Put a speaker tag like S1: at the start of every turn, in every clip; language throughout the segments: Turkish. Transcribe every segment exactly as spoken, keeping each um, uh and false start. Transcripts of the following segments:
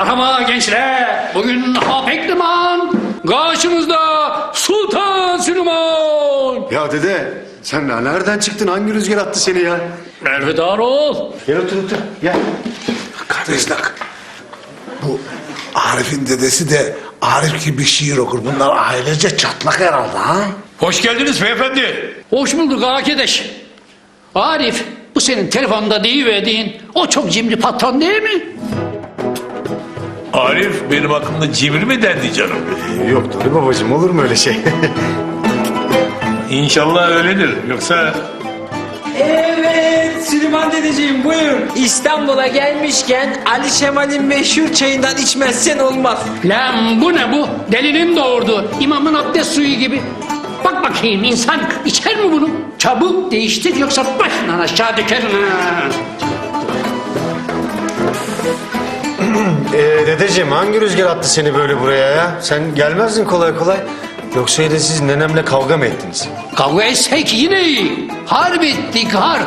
S1: Merhaba gençler. Bugün Hapek Liman. Karşımızda Sultan Süleyman.
S2: Ya dede sen nereden çıktın? Hangi rüzgar attı seni ya?
S1: Elvedar ol.
S2: Gel otur otur gel.
S3: Kardeşler, bu Arif'in dedesi de Arif gibi şiir okur. Bunlar ailece çatlak herhalde ha?
S4: Hoş geldiniz beyefendi.
S1: Hoş bulduk arkadaş. Arif, bu senin telefonda deyiverdiğin o çok cimri patron değil mi?
S4: Arif benim hakkımda cimri mi dendi canım?
S2: Yok tabii babacığım, olur mu öyle şey?
S4: İnşallah öyledir. Yoksa
S5: Evet Süleyman dedeciğim buyur. İstanbul'a gelmişken Ali Şemal'in meşhur çayından içmezsen olmaz.
S1: Lan bu ne bu? Delinin doğurdu. İmamın abdest suyu gibi. Bak bakayım insan içer mi bunu? Çabuk değiştir yoksa başından aşağı dökerim ha.
S2: ee, dedeciğim hangi rüzgar attı seni böyle buraya ya? Sen gelmezdin kolay kolay. Yoksa de siz nenemle kavga mı ettiniz?
S1: Kavga etsek yine iyi. Harp ettik harp.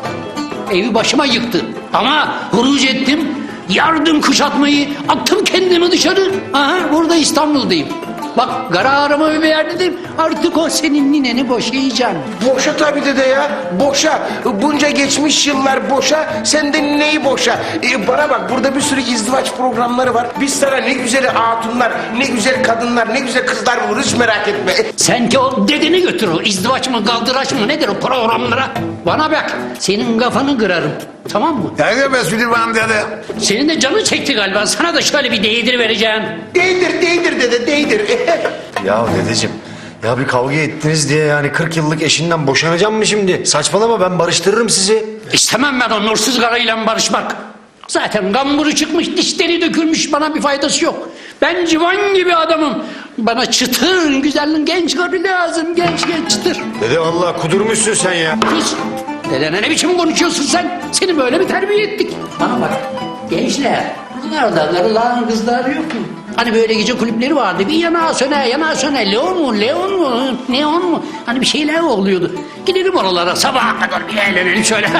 S1: Evi başıma yıktı. Ama huruc ettim. Yardım kuşatmayı attım kendimi dışarı. Aha burada İstanbul'dayım. Bak kararımı verdim. Artık o senin nineni boşayacağım.
S6: Boşa tabii dede ya. Boşa. Bunca geçmiş yıllar boşa. Sen de neyi boşa? Ee, bana bak burada bir sürü izdivaç programları var. Biz sana ne güzel hatunlar, ne güzel kadınlar, ne güzel kızlar buluruz, hiç merak etme.
S1: Sen ki o dedeni götür o izdivaç mı kaldıraç mı nedir o programlara. Bana bak senin kafanı kırarım. Tamam mı?
S3: Ne be Süleyman dede?
S1: Senin de canın çekti galiba. Sana da şöyle bir değdir vereceğim.
S6: Değdir, değdir dede, değdir.
S2: Ya dedeciğim ya bir kavga ettiniz diye yani kırk yıllık eşinden boşanacağım mı şimdi? Saçmalama, ben barıştırırım sizi.
S1: İstemem ben o nursuz karıyla barışmak. Zaten gamburu çıkmış, dişleri dökülmüş, bana bir faydası yok. Ben civan gibi adamım. Bana çıtır, güzelliğin genç karı lazım, genç genç çıtır.
S2: Dede vallahi kudurmuşsun sen ya.
S1: Sus! Dedene ne biçim konuşuyorsun sen? Seni böyle mi terbiye ettik? Bana bak, gençler, nerede karıların kızlar yok mu? Hani böyle gece kulüpleri vardı, bir yana söne, yana söne, Leon mu, Leon mu, Neon mu? Hani bir şeyler oluyordu. Gidelim oralara, sabaha kadar bir eğlenelim şöyle.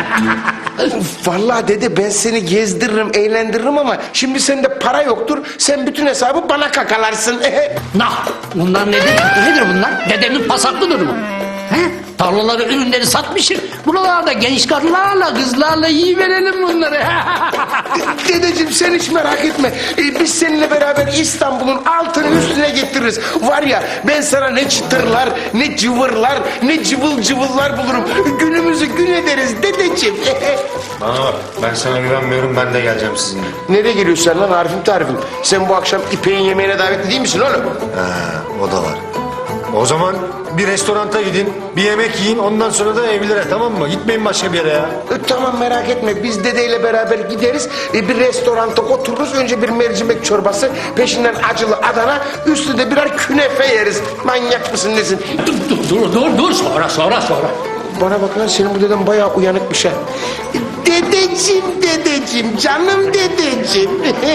S6: Vallahi dede ben seni gezdiririm, eğlendiririm ama şimdi sende para yoktur. Sen bütün hesabı bana kakalarsın.
S1: Nah, bunlar nedir? Nedir bunlar? Dedemin pasaklıdır mı? He? Tarlaları, ürünleri satmışım. Buralarda genç karılarla, kızlarla yiyiverelim bunları.
S6: Dedeciğim sen hiç merak etme. Ee, biz seninle beraber İstanbul'un altını üstüne getiririz. Var ya ben sana ne çıtırlar, ne cıvırlar, ne cıvıl cıvıllar bulurum. Günümüzü gün ederiz dedeciğim.
S2: Bana bak, ben sana güvenmiyorum, ben de geleceğim sizinle.
S6: Nereye geliyorsun lan Arif'im tarifim? Sen bu akşam İpek'in yemeğine davetli değil misin oğlum?
S2: Ha, o da var. O zaman bir restoranta gidin, bir yemek yiyin, ondan sonra da evlere, tamam mı? Gitmeyin başka bir yere ya.
S6: E, tamam merak etme biz dedeyle beraber gideriz. E, bir restoranta otururuz. Önce bir mercimek çorbası, peşinden acılı Adana, üstünde birer künefe yeriz. Manyak mısın nesin?
S1: dur, dur, dur, dur, dur. Sonra, sonra, sonra.
S6: Bana bak lan senin bu deden bayağı uyanıkmış ha. Dedeciğim, dedeciğim, canım dedeciğim.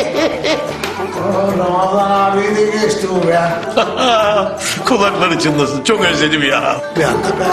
S3: Ramazan abi de geçti bu be.
S4: kulakları çınlasın. Çok özledim ya.
S3: Bir anda be.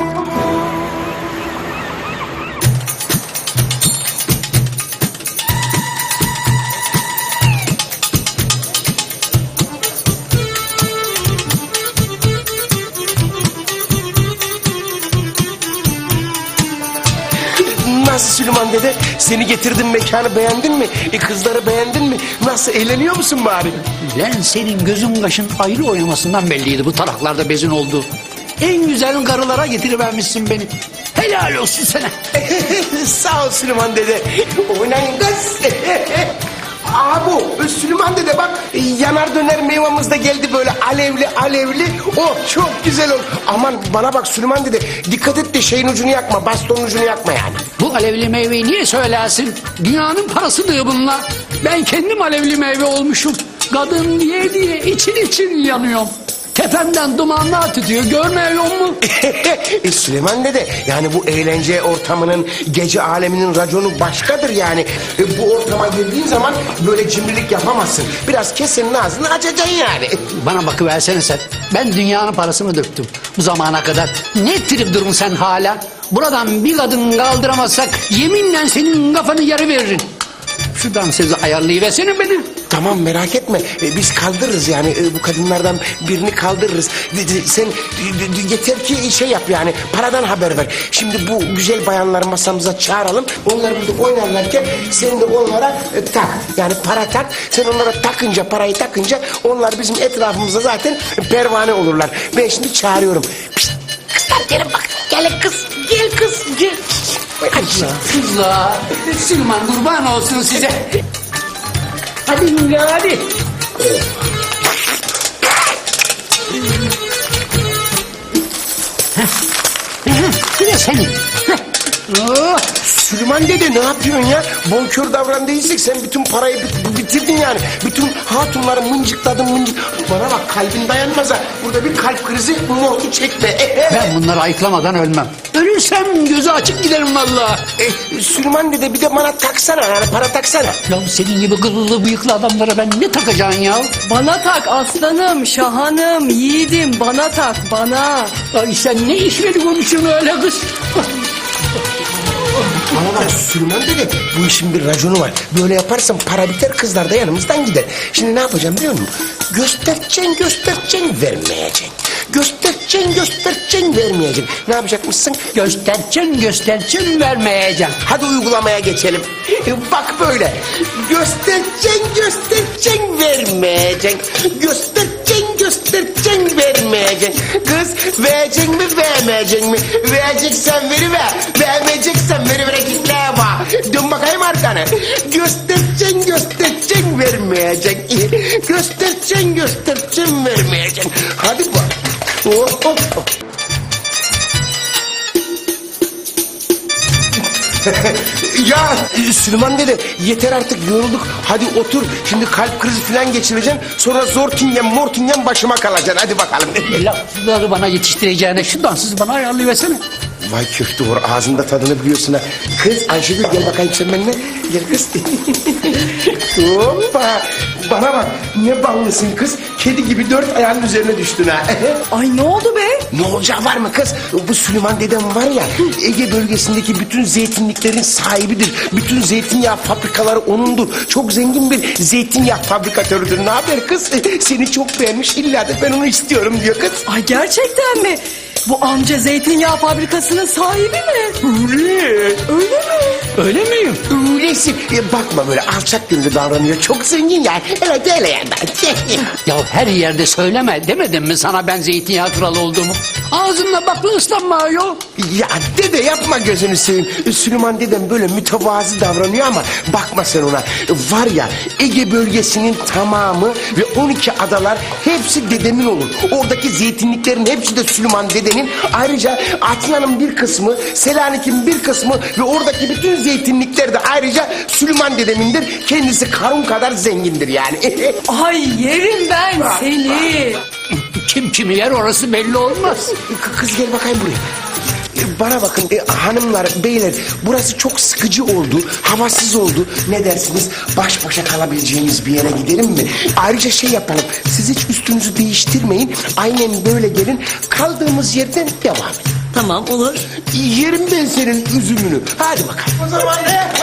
S6: Nasıl Süleyman dede? Seni getirdim, mekanı beğendin mi? E, kızları beğendin mi? Nasıl, eğleniyor musun bari?
S1: Lan senin gözün kaşın ayrı oynamasından belliydi bu taraklarda bezin olduğu. En güzel karılara getirivermişsin beni. Helal olsun sana.
S6: Sağ ol Süleyman dede. Oynayın kız. Aa bu Süleyman dede bak, yanar döner meyvamız da geldi böyle alevli alevli. Oh çok güzel oldu. Aman bana bak Süleyman dede, dikkat et de şeyin ucunu yakma, bastonun ucunu yakma yani.
S1: Bu alevli meyveyi niye söylersin? Dünyanın parası diyor bunlar. Ben kendim alevli meyve olmuşum. Kadın diye diye için için yanıyorum. Tepemden dumanlar tütüyor, görmüyor mu?
S6: e, Süleyman dede, yani bu eğlence ortamının, gece aleminin raconu başkadır yani. E, bu ortama girdiğin zaman böyle cimrilik yapamazsın. Biraz kesenin ağzını açacaksın yani.
S1: Bana bakıversene sen. Ben dünyanın parasını döktüm bu zamana kadar. Ne trip durun sen hala? Buradan bir kadın kaldıramazsak yeminle senin kafanı yarı veririm. şu dansözü ayarlayıversene beni.
S6: Tamam merak etme. E, biz kaldırırız yani. E, bu kadınlardan birini kaldırırız. De- de- Sen de- de- yeter ki şey yap yani. Paradan haber ver. Şimdi bu güzel bayanları masamıza çağıralım. Onlar burada oynarlarken sen de onlara e, tak. Yani para tak. Sen onlara takınca, parayı takınca onlar bizim etrafımızda zaten pervane olurlar. Ben şimdi çağırıyorum. Pişt, kızlar gelin bak. Gelin kız. Gel kız. Gel. Ay,
S1: Kızlar, Süleyman kurban olsun size. Hadi Hülya hadi. Bir de senin. Heh. Oh.
S6: Süleyman dede ne yapıyorsun ya? Bonkör davran değilsek sen bütün parayı bit- bitirdin yani. Bütün hatunları mıncıkladın mıncık. Bana bak kalbin dayanmaz ha. Burada bir kalp krizi mortu çekme.
S1: Ben bunları ayıklamadan ölmem. Ölürsem gözü açık giderim vallahi.
S6: E, Süleyman dede bir de bana taksana yani para taksana.
S1: Ya senin gibi kıllı bıyıklı adamlara ben ne takacaksın ya?
S7: Bana tak aslanım, şahanım, yiğidim bana tak bana.
S1: Ay sen ne işleri konuşuyorsun öyle kız?
S6: Bana bak Süleyman dede bu işin bir raconu var. Böyle yaparsan para biter kızlar da yanımızdan gider. Şimdi ne yapacağım biliyor musun? Göstereceksin göstereceksin vermeyeceksin. Göstereceksin göstereceksin vermeyeceksin. Ne yapacakmışsın?
S1: Göstereceksin göstereceksin vermeyeceğim.
S6: Hadi uygulamaya geçelim. Bak böyle. Göstereceksin, göstereceksin, vermeyeceksin. Göstereceksin, göstereceksin, vermeyeceksin. Kız vereceksin mi, vermeyeceksin mi? Vereceksen veriver. Vermeyeceksen veriver kitleye bak. Dön bakayım arkana. Göstereceksin, göstereceksin, vermeyeceksin. Göstereceksin, göstereceksin, vermeyeceksin. Hadi bak. Hop hop hop. Ya Süleyman dede yeter artık yorulduk. Hadi otur. Şimdi kalp krizi falan geçireceksin. Sonra zortingen mortingen başıma kalacaksın. Hadi bakalım.
S1: Lafları bana yetiştireceğine şu dansızı bana ayarlayıversene.
S6: Vay köfte var ağzında tadını biliyorsun ha. Kız Ayşegül gel bakayım sen benimle. Gel kız. Hoppa. Bana bak ne ballısın kız. Kedi gibi dört ayağının üzerine düştün ha.
S7: Ay ne oldu be?
S6: Ne olacağı var mı kız? Bu Süleyman dedem var ya Ege bölgesindeki bütün zeytinliklerin sahibidir. Bütün zeytinyağı fabrikaları onundur. Çok zengin bir zeytinyağı fabrikatörüdür. Ne haber kız? Seni çok beğenmiş illa da ben onu istiyorum diyor kız.
S7: Ay gerçekten mi? Bu amca zeytinyağı fabrikasının sahibi mi?
S6: Öyle.
S7: Öyle mi?
S1: Öyle miyim?
S6: Öylesin. E, bakma böyle alçak gönüllü davranıyor. Çok zengin yani. Evet öyle yani.
S1: Ya her yerde söyleme demedim mi sana ben zeytinyağı kralı olduğumu? Ağzınla bakla ıslanma ayol.
S6: Ya dede yapma gözünü seveyim. Süleyman dedem böyle mütevazı davranıyor ama bakma sen ona. Var ya Ege bölgesinin tamamı ve on iki adalar hepsi dedemin olur. Oradaki zeytinliklerin hepsi de Süleyman dedenin. Ayrıca Atina'nın bir kısmı, Selanik'in bir kısmı ve oradaki bütün zeytinlikler de ayrıca Süleyman dedemindir. Kendisi Karun kadar zengindir yani.
S7: Ay yerim ben seni.
S1: Kim kimi yer orası belli olmaz.
S6: K- Kız gel bakayım buraya. E, Bana bakın e, hanımlar, beyler burası çok sıkıcı oldu, havasız oldu. Ne dersiniz? Baş başa kalabileceğimiz bir yere gidelim mi? Ayrıca şey yapalım, siz hiç üstünüzü değiştirmeyin. Aynen böyle gelin, kaldığımız yerden devam edin.
S7: Tamam olur.
S6: Yerim ben senin üzümünü. Hadi bakalım. O zaman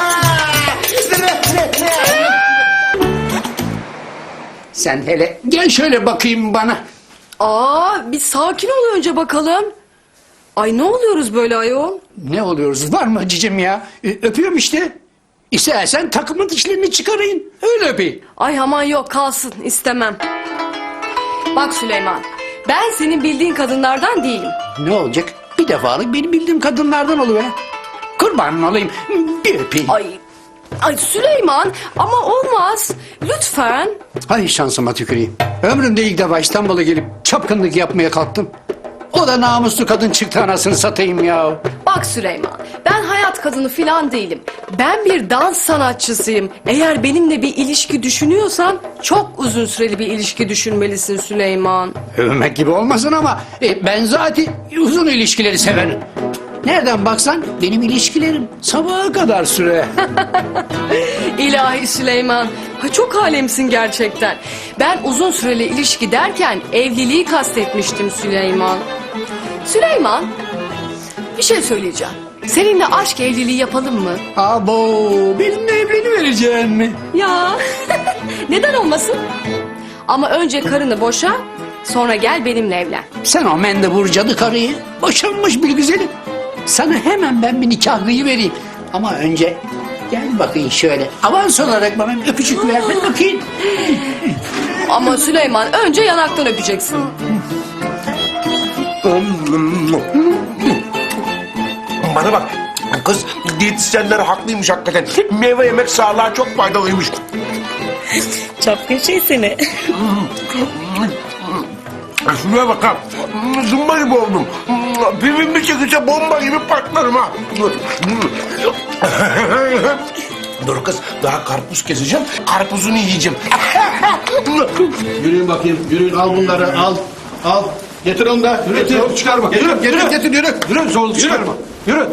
S1: Sen hele gel şöyle bakayım bana.
S7: Aa bir sakin ol önce bakalım. Ay ne oluyoruz böyle ayol?
S1: Ne oluyoruz var mı cicim ya? Ö- öpüyorum işte. İstersen takımın dişlerini çıkarayım. Öyle öpeyim.
S7: Ay aman yok kalsın istemem. Bak Süleyman ben senin bildiğin kadınlardan değilim.
S1: Ne olacak? Bir defalık benim bildiğim kadınlardan oluver. Kurbanın olayım. Bir öpeyim.
S7: Ay, ay Süleyman ama olmaz. Lütfen.
S1: Hay şansıma tüküreyim. Ömrümde ilk defa İstanbul'a gelip çapkınlık yapmaya kalktım. O da namuslu kadın çıktı anasını satayım ya.
S7: Bak Süleyman ben hayat kadını filan değilim. Ben bir dans sanatçısıyım. Eğer benimle bir ilişki düşünüyorsan çok uzun süreli bir ilişki düşünmelisin Süleyman.
S1: Övmek gibi olmasın ama e, ben zaten uzun ilişkileri severim. Nereden baksan benim ilişkilerim sabaha kadar süre.
S7: İlahi Süleyman. Ha, çok alemsin gerçekten. Ben uzun süreli ilişki derken evliliği kastetmiştim Süleyman. Süleyman bir şey söyleyeceğim. Seninle aşk evliliği yapalım mı?
S1: Abo, benimle evlenivereceksin mi?
S7: Ya neden olmasın? Ama önce karını boşa, sonra gel benimle evlen.
S1: Sen o mendebur cadı karıyı boşanmış bir güzelim. Sana hemen ben bir nikah vereyim. Ama önce gel bakayım şöyle. Avans olarak bana bir öpücük ver ben bakayım.
S7: Ama Süleyman önce yanaktan öpeceksin.
S6: Bana bak kız, diyetisyenler haklıymış hakikaten. Meyve yemek sağlığa çok faydalıymış.
S8: Çapkın şey seni.
S6: Şuraya bak ha. Zımba gibi oldum. Pivim bir çekilse bomba gibi patlarım ha. Dur kız, daha karpuz keseceğim. Karpuzunu yiyeceğim.
S4: Yürüyün bakayım. Yürüyün al bunları al. Al. Getir onu da. Getir.
S6: Zorluk çıkarma.
S4: Getir,
S6: Yürü,
S4: getir,
S6: yürü.
S4: getir, yürü.
S6: Yürü, zorluk
S4: Yürü.
S6: çıkarma.
S4: Yürü.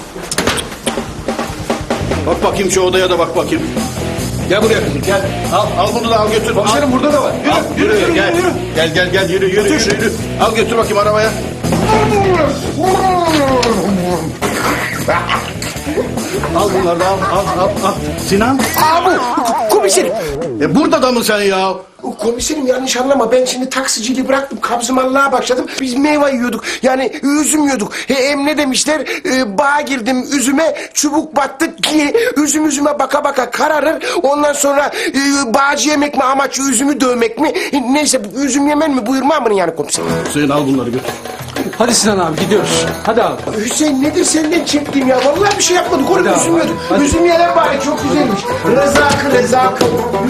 S4: Bak bakayım şu odaya da bak bakayım. Gel buraya kızım gel. Al, al bunu da al götür.
S6: Komiserim burada da var. Yürü,
S4: Al,
S6: yürü, yürü,
S4: gel.
S6: yürü.
S4: Gel gel gel yürü yürü yürü, yürü. Al götür bakayım arabaya. Al bunları da al al al al. Sinan.
S6: Abi, komiserim.
S4: E burada da mı sen ya?
S6: Komiserim yanlış anlama. Ben şimdi taksiciliği bıraktım. Kabzımallığa başladım. Biz meyve yiyorduk. Yani üzüm yiyorduk. He, hem ne demişler? Ee, bağa girdim üzüme, çubuk battı ki üzüm üzüme baka baka kararır. Ondan sonra e, bağcı yemek mi amaç üzümü dövmek mi? E, neyse üzüm yemen mi buyurma mı yani komiserim?
S4: Hüseyin al bunları götür.
S5: Hadi Sinan abi gidiyoruz. Hadi abi.
S6: Hüseyin nedir senden çektiğim ya? Vallahi bir şey yapmadık. Oğlum
S5: Hadi abi,
S6: üzüm yiyorduk.
S5: hadi.
S6: Üzüm yeler bari çok güzelmiş. Rezakı rezakı.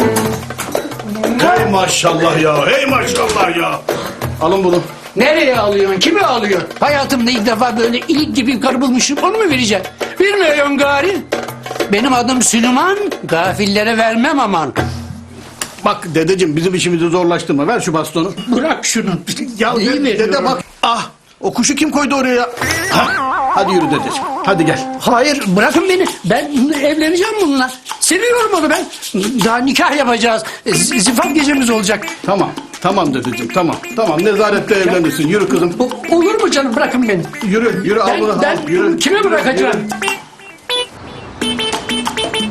S4: Hey maşallah ya. Hey maşallah ya. Alın bunu.
S1: Nereye alıyorsun? Kimi alıyorsun? Hayatımda ilk defa böyle ilik gibi bir karı bulmuşum. Onu mu vereceksin? Vermiyorsun gari. Benim adım Süleyman. Gafillere vermem aman.
S4: Bak dedeciğim bizim işimizi zorlaştırma. Ver şu bastonu.
S1: Bırak şunu.
S4: Ya
S1: Neyi
S4: dede, dede
S1: veriyorum?
S4: bak. Ah o kuşu kim koydu oraya? Ha, hadi yürü dedeciğim. Hadi gel.
S1: Hayır bırakın beni. Ben evleneceğim bununla. Seviyorum onu ben. Daha nikah yapacağız. Z- Zifaf gecemiz olacak.
S4: Tamam. Tamam dedeciğim tamam. Tamam nezarette evlenirsin. Yürü kızım.
S1: Bu- olur mu canım bırakın beni.
S4: Yürü yürü al bunu.
S1: Ben, ben
S4: al, yürü.
S1: kime bırakacağım?
S4: Yürü.